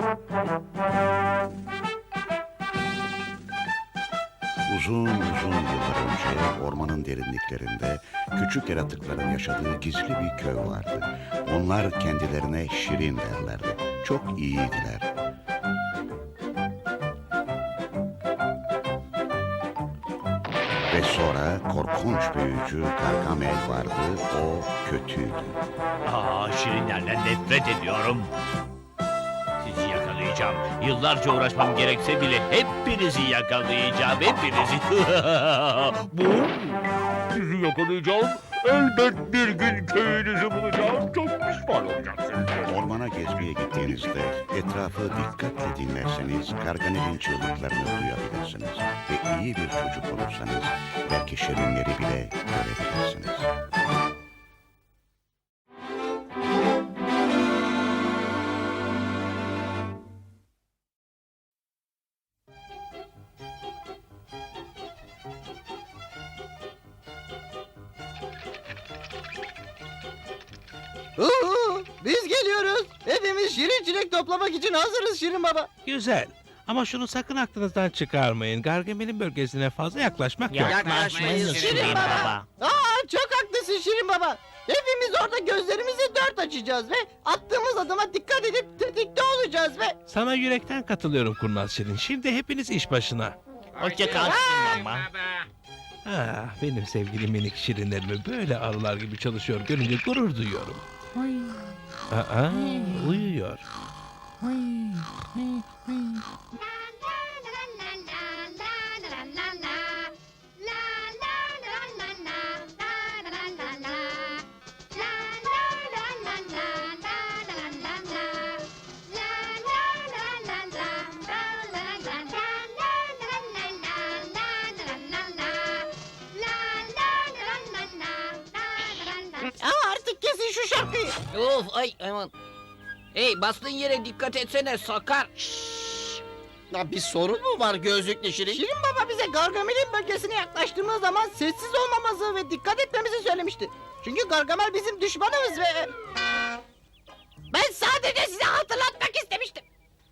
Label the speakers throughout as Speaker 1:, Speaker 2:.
Speaker 1: Uzun uzun yıllar önce ormanın derinliklerinde küçük yaratıkların yaşadığı gizli bir köy vardı. Onlar kendilerine Şirin derlerdi. Çok iyiydiler. Ve sonra korkunç büyücü Gargamel vardı. O kötüydü.
Speaker 2: Şirinlerden nefret ediyorum. Sizi yakalayacağım. Yıllarca uğraşmam gerekse bile hepinizi yakalayacağım. Hepinizi. Bu? Sizi yakalayacağım. Elbet bir gün köyünüzü bulacağım. Çok pişman olacaksınız.
Speaker 1: Ormana gezmeye gittiğinizde etrafı dikkatle dinlerseniz Gargamel'in çığlıklarını duyabilirsiniz. Ve iyi bir çocuk olursanız belki şirinleri bile görebilirsiniz.
Speaker 3: Biz geliyoruz. Hepimiz şirin çilek toplamak için hazırız Şirin Baba.
Speaker 4: Güzel. Ama şunu sakın aklınızdan çıkarmayın. Gargamel'in bölgesine fazla yaklaşmak yok.
Speaker 2: Yaklaşmayız
Speaker 3: Şirin Baba. Çok haklısın Şirin Baba. Hepimiz orada gözlerimizi dört açacağız ve attığımız adıma dikkat edip tetikte olacağız ve...
Speaker 4: Sana yürekten katılıyorum Kurnaz Şirin. Şimdi hepiniz iş başına.
Speaker 2: Hoşça kal Şirin Baba.
Speaker 4: Benim sevgili minik şirinlerimi böyle arılar gibi çalışıyor görünce gurur duyuyorum. Uyuyor.
Speaker 3: Artık kesin şu şarkıyı.
Speaker 5: Of ay aman. Hey bastığın yere dikkat etsene sakar.
Speaker 3: Ya bir sorun mu var gözlüklü Şirin? Şirin Baba bize Gargamel'in bölgesine yaklaştığımız zaman sessiz olmamızı ve dikkat etmemizi söylemişti. Çünkü Gargamel bizim düşmanımız ve... Ben sadece size hatırlatmak istemiştim.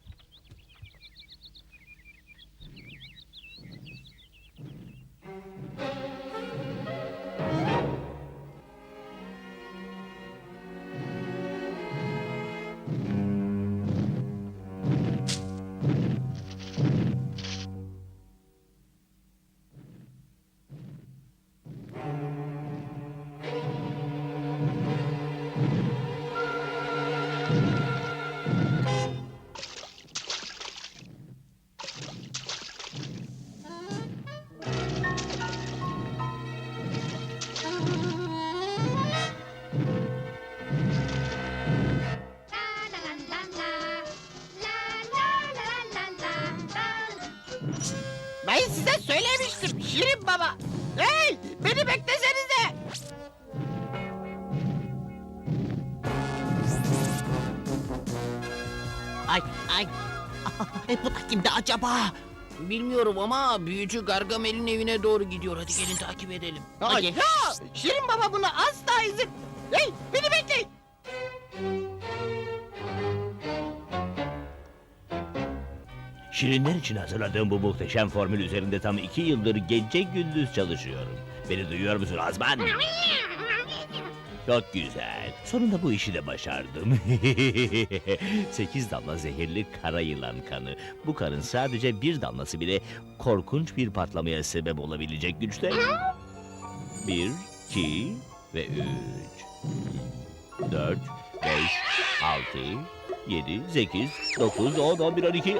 Speaker 3: Ben size söylemiştim Şirin Baba. Hey, beni beklesenize.
Speaker 5: Ay ay. Bu da kimdi acaba? Bilmiyorum ama büyücü Gargamel'in evine doğru gidiyor. Hadi gelin takip edelim. Hadi.
Speaker 3: Ya, Şirin Baba buna asla izin... Hey, beni bekleyin.
Speaker 2: Şirinler için hazırladığım bu muhteşem formül üzerinde tam 2 yıldır gece gündüz çalışıyorum. Beni duyuyor musun Azman? Çok güzel. Sonunda bu işi de başardım. 8 damla zehirli kara yılan kanı. Bu kanın sadece bir damlası bile korkunç bir patlamaya sebep olabilecek güçte. 1, 2 ve 3. 4, 5, 6, 7, 8, 9, 10, 11, 12...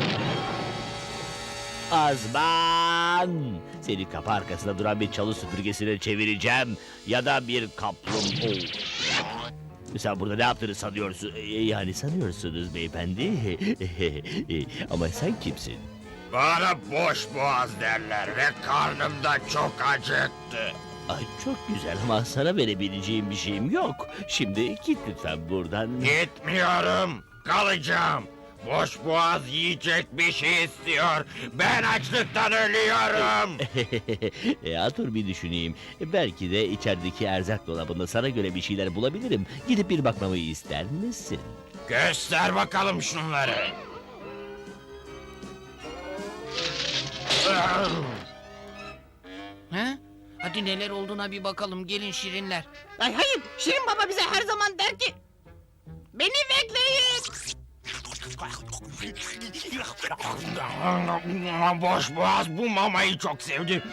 Speaker 2: Azman! Seni kapı arkasında duran bir çalı süpürgesine çevireceğim. Ya da bir kaplumbağa. Sen burada ne yaptığını sanıyorsun? Yani sanıyorsunuz beyefendi. Ama sen kimsin?
Speaker 6: Bana boş boğaz derler ve karnım da çok acıktı.
Speaker 2: Ay çok güzel ama sana verebileceğim bir şeyim yok. Şimdi git lütfen buradan.
Speaker 6: Gitmiyorum, kalacağım. Boş boğaz yiyecek bir şey istiyor. Ben açlıktan ölüyorum.
Speaker 2: Dur bir düşüneyim. Belki de içerideki erzak dolabında sana göre bir şeyler bulabilirim. Gidip bir bakmamı ister misin?
Speaker 6: Göster bakalım şunları.
Speaker 5: He? Hadi neler olduğuna bir bakalım. Gelin şirinler.
Speaker 3: Ay hayır, Şirin Baba bize her zaman der ki... Beni bekleyin.
Speaker 6: Boş boğaz bu mamayı çok sevdi.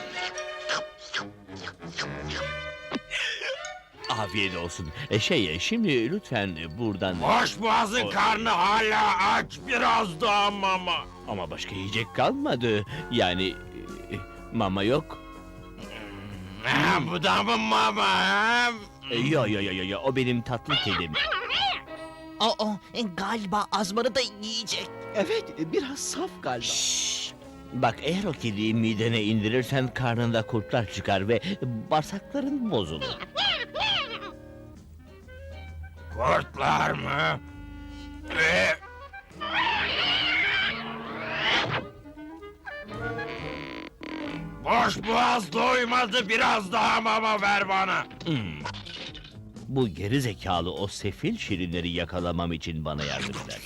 Speaker 2: Afiyet olsun. Şimdi lütfen buradan...
Speaker 6: Boş boğazın karnı hala aç, biraz daha mama.
Speaker 2: Ama başka yiyecek kalmadı. Yani mama yok.
Speaker 6: Ha, bu da mı mama? Ha?
Speaker 2: Yo, o benim tatlı kedim.
Speaker 5: Galiba Azman'ı da yiyecek.
Speaker 3: Evet, biraz saf galiba.
Speaker 2: Bak eğer o kediyi midene indirirsen karnında kurtlar çıkar ve bağırsakların bozulur.
Speaker 6: Kurtlar mı? Boş boğaz doymadı, biraz daha mama ver bana.
Speaker 2: Bu geri zekalı o sefil şirinleri yakalamam için bana yardım eder.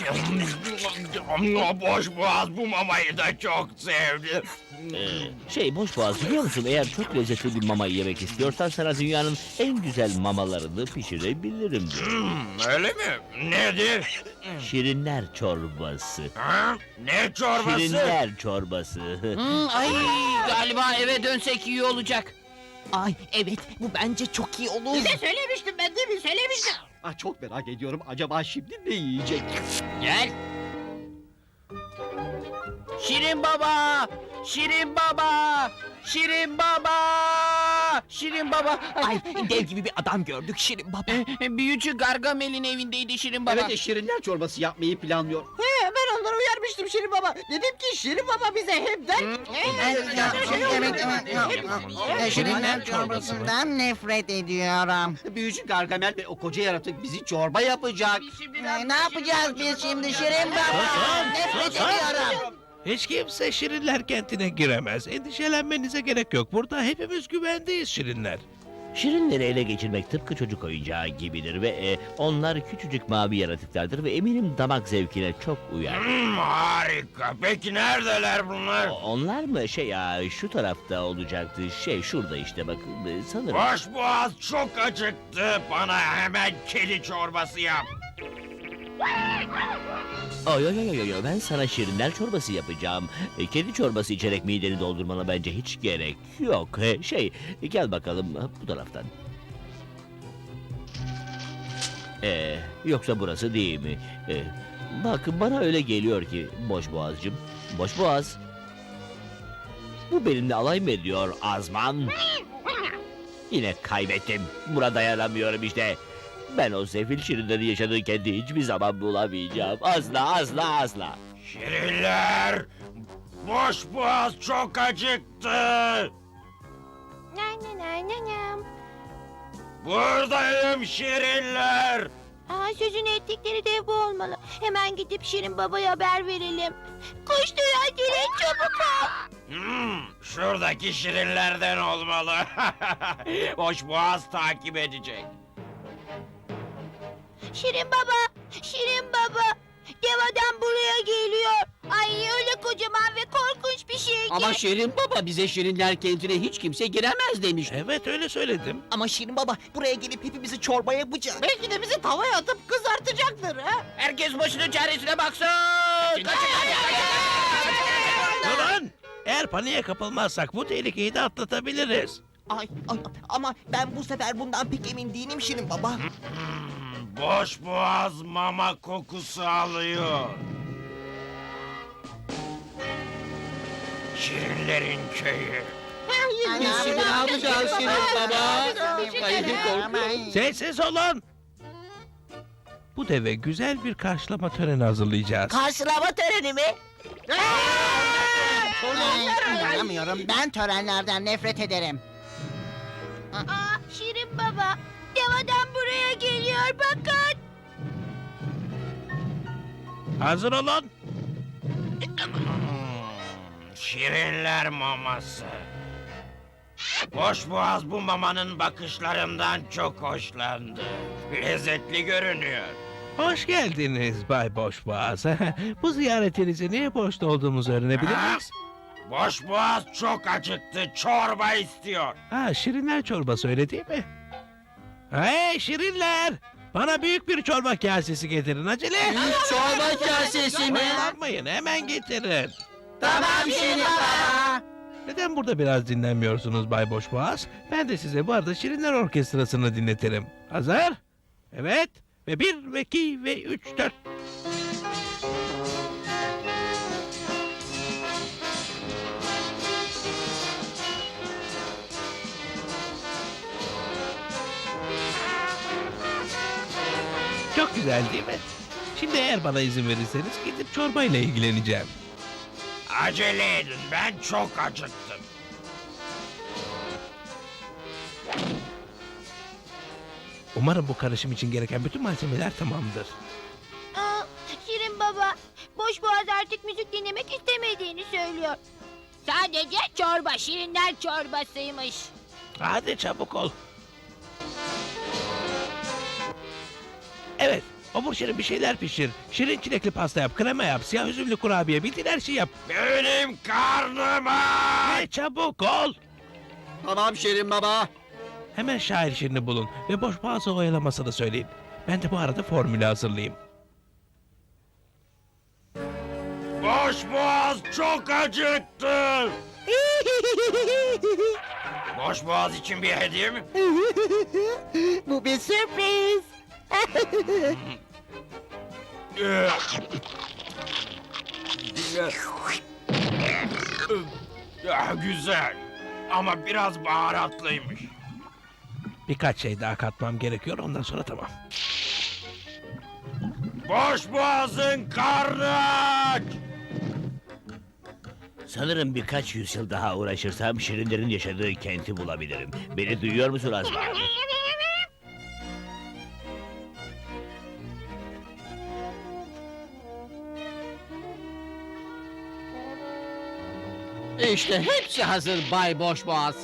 Speaker 6: Boş boğaz bu mamayı da çok sevdi.
Speaker 2: Boş boğaz biliyor musun? Eğer çok lezzetli bir mama yemek istiyorsan sana dünyanın en güzel mamalarını pişirebilirim diyor.
Speaker 6: Öyle mi? Nedir?
Speaker 2: Şirinler çorbası.
Speaker 6: Ha? Ne çorbası?
Speaker 2: Şirinler çorbası.
Speaker 5: Ay galiba eve dönsek iyi olacak.
Speaker 7: Ay evet bu bence çok iyi olur.
Speaker 3: Size söylemiştim ben değil mi? Söylemiştim. Ah, çok merak ediyorum. Acaba şimdi ne yiyecek?
Speaker 5: Gel. Şirin baba! Şirin baba! Şirin baba! Şirin baba!
Speaker 7: Ay dev gibi bir adam gördük Şirin Baba.
Speaker 5: Büyücü Gargamel'in evindeydi Şirin baba.
Speaker 3: Evet, şirinler çorbası yapmayı planlıyor. He, ben onları uyarmıştım Şirin Baba. Dedim ki Şirin Baba bize hep der ki...
Speaker 8: Şirinler çorbasından nefret ediyorum.
Speaker 3: Büyücü Gargamel ve o koca yaratık bizi çorba yapacak.
Speaker 8: Ne yapacağız biz şimdi Şirin Baba? Nefret ediyorum.
Speaker 4: Hiç kimse Şirinler kentine giremez. Endişelenmenize gerek yok. Burada hepimiz güvendeyiz Şirinler.
Speaker 2: Şirinleri ele geçirmek tıpkı çocuk oyuncağı gibidir ve onlar küçücük mavi yaratıklardır ve eminim damak zevkine çok uyar.
Speaker 6: Harika. Peki neredeler bunlar?
Speaker 2: Onlar mı şu tarafta olacaktı, şurada işte bakın sanırım.
Speaker 6: Boş boğaz çok acıktı. Bana hemen kedi çorbası yap.
Speaker 2: Yo, ben sana şirinler çorbası yapacağım. Kedi çorbası içerek mideni doldurmana bence hiç gerek yok. Gel bakalım bu taraftan. Yoksa burası değil mi? Bak bana öyle geliyor ki boş boğazcığım. Boş boğaz. Bu benimle alay mı ediyor Azman? Yine kaybettim. Buna dayanamıyorum işte. Ben o sefil şirinlerin yaşadığı kendi hiçbir zaman bulamayacağım. Asla.
Speaker 6: Şirinler! Boş boğaz çok acıktı. Buradayım şirinler.
Speaker 9: Sözünü ettikleri dev bu olmalı. Hemen gidip Şirin Baba'ya haber verelim. Koştur acele çabuk ol.
Speaker 6: Şuradaki şirinlerden olmalı. Boş boğaz takip edecek.
Speaker 9: Şirin Baba, Şirin Baba. Dev adam buraya geliyor. Ay öyle kocaman ve korkunç bir şey ki.
Speaker 3: Ama Şirin Baba bize şirinler kentine hiç kimse giremez demişti.
Speaker 4: Evet öyle söyledim.
Speaker 7: Ama Şirin Baba buraya gelip hepimizi çorba yapacak.
Speaker 3: Belki de bizi tavaya atıp kızartacaktır ha.
Speaker 5: Herkes başının çaresine baksın.
Speaker 4: Durun! Eğer paniğe kapılmazsak bu tehlikeyi de atlatabiliriz.
Speaker 7: Ay ama ben bu sefer bundan pek emin değilim Şirin Baba.
Speaker 6: Boş boğaz mama kokusu alıyor. Şirinlerin köyü.
Speaker 3: Şimdi ne yapacağız Şirin Baba? Ay, korkuyorum.
Speaker 4: Sessiz olun! Bu deve güzel bir karşılama töreni hazırlayacağız.
Speaker 9: Karşılama töreni mi?
Speaker 8: İnanamıyorum. Ben törenlerden nefret ederim.
Speaker 9: Şirin Baba, dev adam buraya geliyor bakın.
Speaker 4: Hazır olun!
Speaker 6: Şirinler maması. Boş boğaz bu mamanın bakışlarından çok hoşlandı. Lezzetli görünüyor.
Speaker 4: Hoş geldiniz Bay Boşboğaz. Bu ziyaretinizi niye boşta olduğumuzu öğrenebilir miyiz?
Speaker 6: Boşboğaz çok acıktı. Çorba istiyor.
Speaker 4: Ha, şirinler çorbası öyle değil mi? Hey şirinler! Bana büyük bir çorba kasesi getirin acele.
Speaker 3: Büyük çorba kasesi mi?
Speaker 4: Oyalanmayın, hemen getirin.
Speaker 3: Tamam Şirin Baba.
Speaker 4: Neden burada biraz dinlenmiyorsunuz Bay Boşboğaz? Ben de size bu arada Şirinler Orkestrası'nı dinletirim. Hazır? Evet. Ve 1 ve 2 ve 3 4. Çok güzel değil mi? Şimdi eğer bana izin verirseniz gidip çorbayla ilgileneceğim.
Speaker 6: Acele edin, ben çok acıktım.
Speaker 4: Umarım bu karışım için gereken bütün malzemeler tamamdır.
Speaker 9: Aa, Şirin baba, Boşboğaz artık müzik dinlemek istemediğini söylüyor. Sadece çorba, şirinler çorbasıymış.
Speaker 4: Hadi çabuk ol. Evet, obur şirin bir şeyler pişir. Şirin çilekli pasta yap, krema yap, siyah üzümlü kurabiye, bildiğin her şeyi yap.
Speaker 6: Benim karnım aç.
Speaker 4: Hey, çabuk ol.
Speaker 3: Tamam Şirin Baba.
Speaker 4: Hemen şair şirini bulun ve Boşboğaz'ı oyalamasını söyleyin. Ben de bu arada formülü hazırlayayım.
Speaker 6: Boşboğaz çok acıktı. Boşboğaz için bir hediye mi?
Speaker 8: Bu bir sürpriz.
Speaker 6: Güzel. Ama biraz baharatlıymış.
Speaker 4: Birkaç şey daha katmam gerekiyor, ondan sonra tamam.
Speaker 6: Boşboğaz'ın karnı aç.
Speaker 2: Sanırım birkaç yüzyıl daha uğraşırsam şirinlerin yaşadığı kenti bulabilirim. Beni duyuyor musun Azman?
Speaker 3: İşte hepsi hazır Bay Boşboğaz.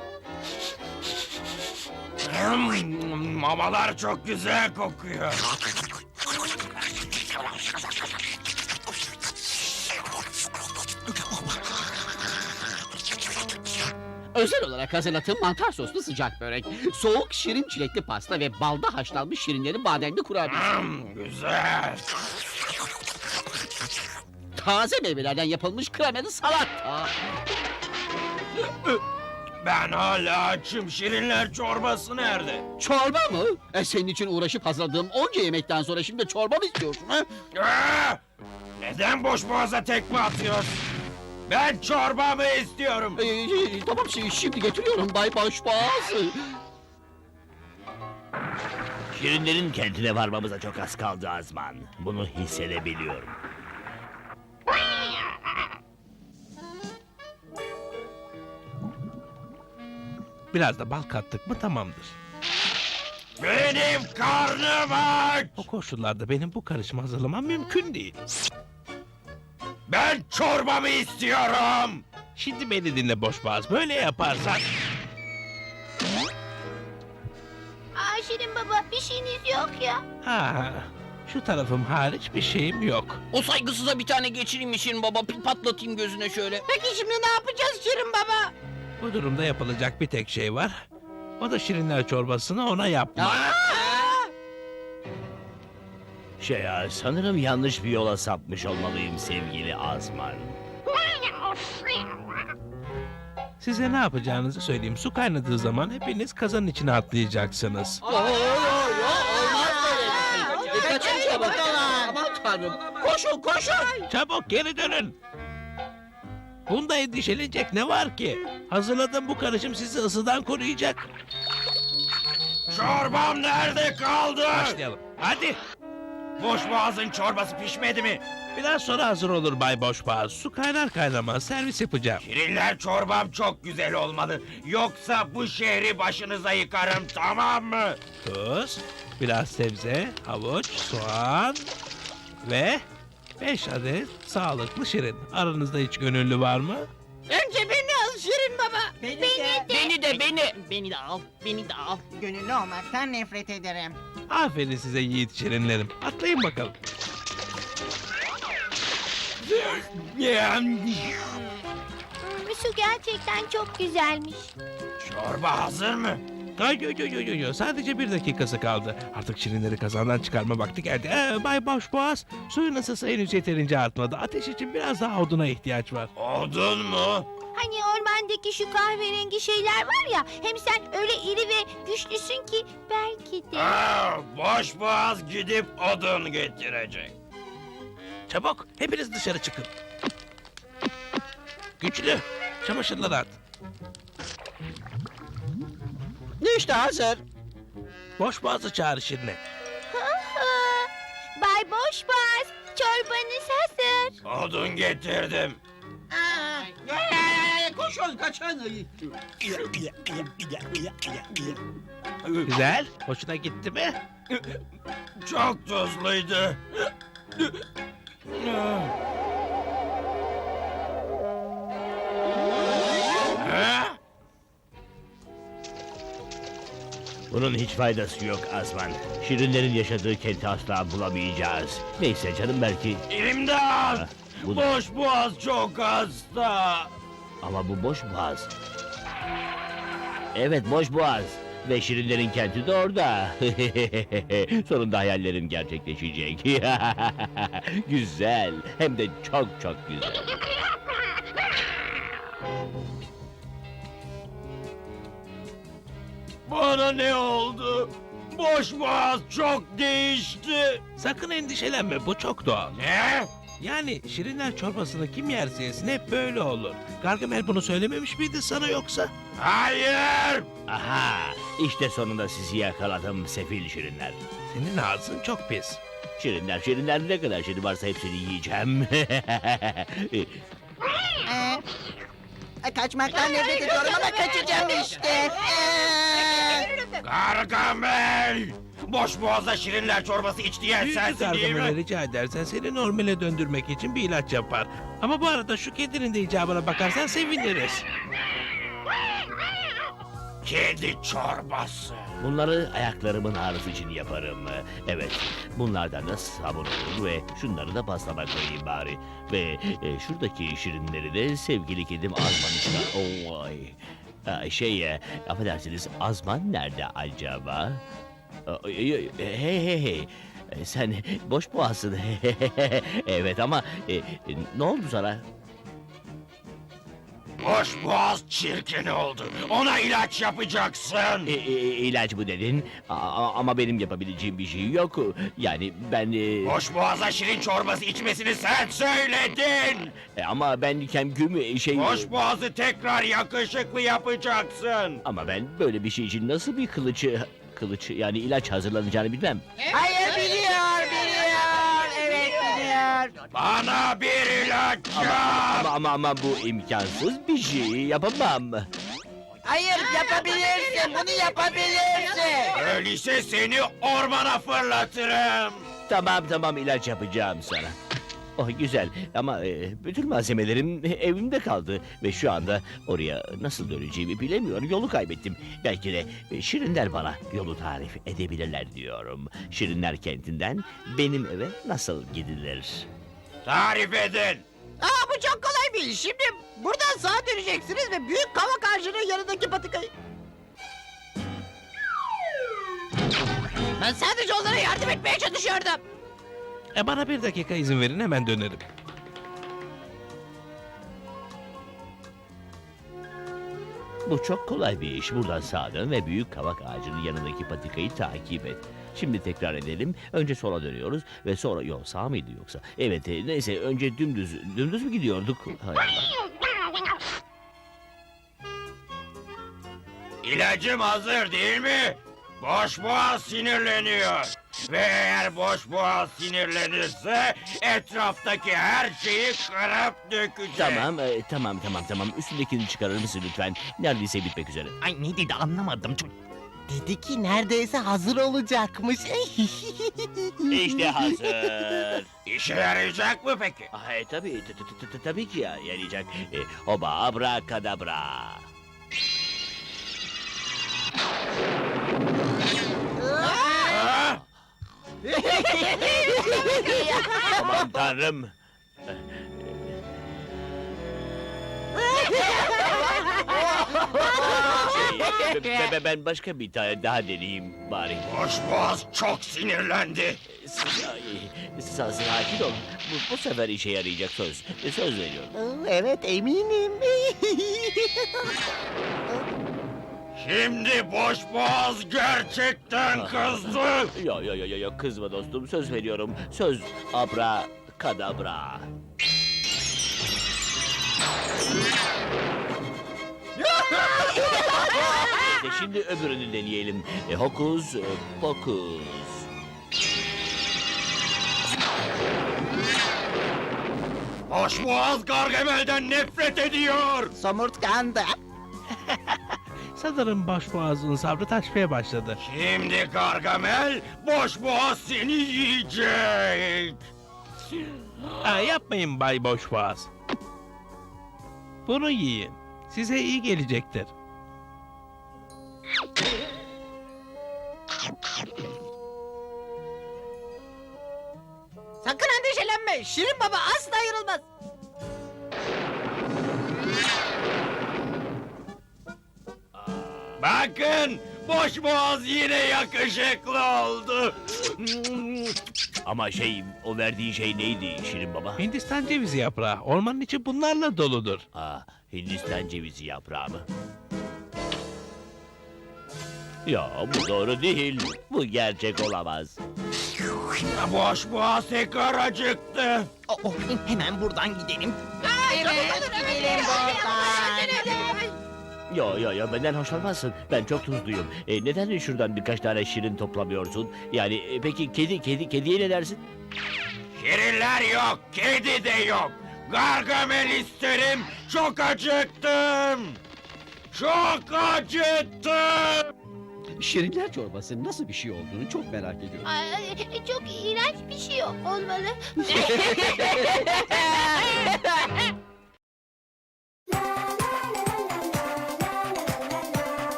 Speaker 6: Mamalar çok güzel kokuyor.
Speaker 3: Özel olarak hazırladığım mantar soslu sıcak börek, soğuk şirin çilekli pasta ve balda haşlanmış şirinlerin bademli kurabiyesi.
Speaker 6: Güzel.
Speaker 3: Taze meyvelerden yapılmış kremalı salata.
Speaker 6: Ben hala açım. Şirinler çorbası nerede?
Speaker 3: Çorba mı? Senin için uğraşıp hazırladığım onca yemekten sonra şimdi çorba mı istiyorsun ha?
Speaker 6: Neden boşboğaza tekme atıyorsun? Ben çorbamı istiyorum.
Speaker 3: Tamam şimdi getiriyorum Bay Boşboğaz.
Speaker 2: Şirinlerin kentine varmamıza çok az kaldı Azman. Bunu hissedebiliyorum.
Speaker 4: Biraz da bal kattık mı tamamdır.
Speaker 6: Benim karnım aç.
Speaker 4: O koşullarda benim bu karışımı hazırlamam mümkün değil.
Speaker 6: Ben çorbamı istiyorum.
Speaker 4: Şimdi beni dinle Boşboğaz, böyle yaparsan...
Speaker 9: Aa, Şirin baba, bir şeyiniz yok ya.
Speaker 4: Ha, şu tarafım hariç bir şeyim yok.
Speaker 5: O saygısıza bir tane geçireyim mi Şirin baba? Pil patlatayım gözüne şöyle.
Speaker 8: Peki şimdi ne yapacağız Şirin Baba?
Speaker 4: Bu durumda yapılacak bir tek şey var. O da şirinler çorbasını ona yapmak.
Speaker 2: Sanırım yanlış bir yola sapmış olmalıyım sevgili Azman.
Speaker 4: Size ne yapacağınızı söyleyeyim. Su kaynadığı zaman hepiniz kazanın içine atlayacaksınız.
Speaker 3: Olmaz böyle. Kaçın çabuk. Aman tanrım. Koşun koşun.
Speaker 4: Çabuk geri dönün. Bunda endişelenecek ne var ki? Hazırladığım bu karışım sizi ısıdan koruyacak.
Speaker 6: Çorbam nerede kaldı?
Speaker 4: Başlayalım. Hadi.
Speaker 6: Boşboğaz'ın çorbası pişmedi mi?
Speaker 4: Biraz sonra hazır olur Bay Boşboğaz. Su kaynar kaynamaz servis yapacağım.
Speaker 6: Şirinler çorbam çok güzel olmalı. Yoksa bu şehri başınıza yıkarım, tamam mı?
Speaker 4: Tuz, biraz sebze, havuç, soğan ve 5 adet sağlıklı şirin. Aranızda hiç gönüllü var mı?
Speaker 8: Önce beni
Speaker 3: Şirin Baba.
Speaker 7: Beni de.
Speaker 5: Beni de al. Beni de al.
Speaker 7: Gönüllü olmaktan nefret ederim.
Speaker 4: Aferin size yiğit şirinlerim. Atlayın bakalım.
Speaker 9: Su gerçekten çok güzelmiş.
Speaker 6: Çorba hazır mı?
Speaker 4: Yo. Sadece 1 dakikası kaldı. Artık şirinleri kazandan çıkarma vakti geldi. Bay Boşboğaz, suyun ısısı henüz yeterince artmadı. Ateş için biraz daha oduna ihtiyaç var.
Speaker 6: Odun mu?
Speaker 9: Hani ormandaki şu kahverengi şeyler var ya. Hem sen öyle iri ve güçlüsün ki belki de.
Speaker 6: Boş boğaz gidip odun getirecek.
Speaker 4: Çabuk, hepiniz dışarı çıkın. Güçlü, çamaşırları at.
Speaker 3: İşte hazır.
Speaker 4: Boşboğaz'ı çağır Şirin'e.
Speaker 9: Bay Boşboğaz, çorbanız hazır.
Speaker 6: Odun getirdim.
Speaker 3: Koşun kaçın.
Speaker 4: Güzel, hoşuna gitti mi?
Speaker 6: Çok tuzluydu. Ha?
Speaker 2: Bunun hiç faydası yok Azman. Şirinlerin yaşadığı kenti asla bulamayacağız. Neyse canım belki.
Speaker 6: İmdat!
Speaker 2: Bu da-
Speaker 6: Boş boğaz çok hasta.
Speaker 2: Ama bu boş boğaz. Evet boş boğaz. Ve Şirinlerin kenti de orada. Sonunda hayallerim gerçekleşecek. Güzel. Hem de çok çok güzel.
Speaker 6: Bana ne oldu? Boş boğaz çok değişti.
Speaker 4: Sakın endişelenme, bu çok doğal.
Speaker 6: Ne?
Speaker 4: Yani şirinler çorbasını kim yerse yesin hep böyle olur. Gargamel bunu söylememiş miydi sana yoksa?
Speaker 6: Hayır!
Speaker 2: Aha, işte sonunda sizi yakaladım sefil şirinler.
Speaker 4: Senin ağzın çok pis.
Speaker 2: Şirinler ne kadar şirin varsa hepsini yiyeceğim.
Speaker 7: Kaçmaktan nefret ediyorum ama kaçacağım işte.
Speaker 6: Gargamel! Boş boğaza şirinler çorbası iç diyen
Speaker 4: Büyücü
Speaker 6: sensin değil
Speaker 4: Gargamel'e
Speaker 6: mi?
Speaker 4: rica edersen seni normale döndürmek için bir ilaç yapar. Ama bu arada şu kedinin de icabına bakarsan seviniriz.
Speaker 6: Kedi çorbası.
Speaker 2: Bunları ayaklarımın ağrısı için yaparım. Evet, bunlardan da sabun olur ve şunları da pastama koyayım bari. Ve şuradaki şirinleri de sevgili kedim Azman işte. Oh, ay. Affedersiniz Azman nerede acaba? Hey. Sen boş boğazsın. Evet ama ne oldu sana?
Speaker 6: Boş boğaz çirkin oldu. Ona ilaç yapacaksın.
Speaker 2: İlaç mı dedin? Ama benim yapabileceğim bir şey yok. Yani ben...
Speaker 6: Boş boğaza şirin çorbası içmesini sen söyledin.
Speaker 2: Ama ben kemküm şey...
Speaker 6: Boş boğazı tekrar yakışıklı yapacaksın.
Speaker 2: Ama ben böyle bir şey için nasıl bir kılıç yani ilaç hazırlanacağını bilmem.
Speaker 7: Hayır biliyor. Evet biliyor.
Speaker 6: Bana bir ilaç yap.
Speaker 2: Ama bu imkansız bir şey yapamam.
Speaker 7: Hayır yapabilirsin. Bunu yapabilirsin.
Speaker 6: Öyleyse seni ormana fırlatırım.
Speaker 2: Tamam ilaç yapacağım sana. Oh güzel ama bütün malzemelerim evimde kaldı ve şu anda oraya nasıl döneceğimi bilemiyorum. Yolu kaybettim. Belki de Şirinler bana yolu tarif edebilirler diyorum. Şirinler kentinden benim eve nasıl gidilir?
Speaker 6: Tarif edin.
Speaker 3: Bu çok kolay bir iş. Şimdi buradan sağa döneceksiniz ve büyük kavak ağacının yanındaki patikayı... Ben sadece onlara yardım etmeye çalışıyordum.
Speaker 4: Bana 1 dakika izin verin, hemen dönerim.
Speaker 2: Bu çok kolay bir iş. Buradan sağa dön ve büyük kavak ağacının yanındaki patikayı takip et. Şimdi tekrar edelim. Önce sola dönüyoruz ve sonra... Yok sağ mıydı yoksa? Evet neyse önce dümdüz mü gidiyorduk? Hay Allah.
Speaker 6: İlacım hazır değil mi? Boş boğaz sinirleniyor. Ve eğer boş boğaz sinirlenirse etraftaki her şeyi kırıp dökecek.
Speaker 2: Tamam. Üstündekini çıkarır mısın lütfen? Neredeyse bitmek üzere.
Speaker 5: Ay ne dedi anlamadım.
Speaker 3: Dedi ki neredeyse hazır olacakmış.
Speaker 2: İşte hazır.
Speaker 6: İşe yarayacak mı peki?
Speaker 2: Tabii, tabii ki ya, yarayacak. Hoba abrakadabra.
Speaker 6: Ha?
Speaker 2: Aman tanrım. Ben başka bir tane daha deneyeyim bari.
Speaker 6: Boşboğaz çok sinirlendi.
Speaker 2: Sakin ol. Bu sefer işe yarayacak söz. Söz veriyorum.
Speaker 3: Evet eminim.
Speaker 6: Şimdi boşboğaz gerçekten kızdı.
Speaker 2: Yo kızma dostum, söz veriyorum. Söz abra kadabra. İşte şimdi öbürünü deneyelim. Hokus pokus.
Speaker 6: Boşboğaz Gargamel'den nefret ediyor.
Speaker 3: Somurtkandı.
Speaker 4: Sanırım başboğazın sabrı taşmaya başladı.
Speaker 6: Şimdi Gargamel boşboğaz seni yiyecek.
Speaker 4: Yapmayın Bay Boşboğaz. Bunu yiyin. Size iyi gelecektir.
Speaker 3: Sakın endişelenme. Şirin Baba asla ayrılmaz.
Speaker 6: Bakın boşboğaz yine yakışıklı oldu.
Speaker 2: Ama o verdiğin şey neydi Şirin Baba?
Speaker 4: Hindistan cevizi yaprağı. Ormanın içi bunlarla doludur.
Speaker 2: Hindistan cevizi yaprağı mı? Ya bu doğru değil. Bu gerçek olamaz.
Speaker 6: Boşboğaz tekrar acıktı.
Speaker 7: Hemen buradan gidelim.
Speaker 8: Evet, gidelim buradan.
Speaker 2: Yo benden hoşlanmazsın. Ben çok tuzluyum. Neden şuradan birkaç tane şirin toplamıyorsun? Yani peki kediye ne dersin?
Speaker 6: Şirinler yok, kedi de yok. Gargamel isterim, çok acıktım. Çok acıktım.
Speaker 10: Şirinler çorbasının nasıl bir şey olduğunu çok merak ediyorum.
Speaker 9: Çok iğrenç bir şey olmalı.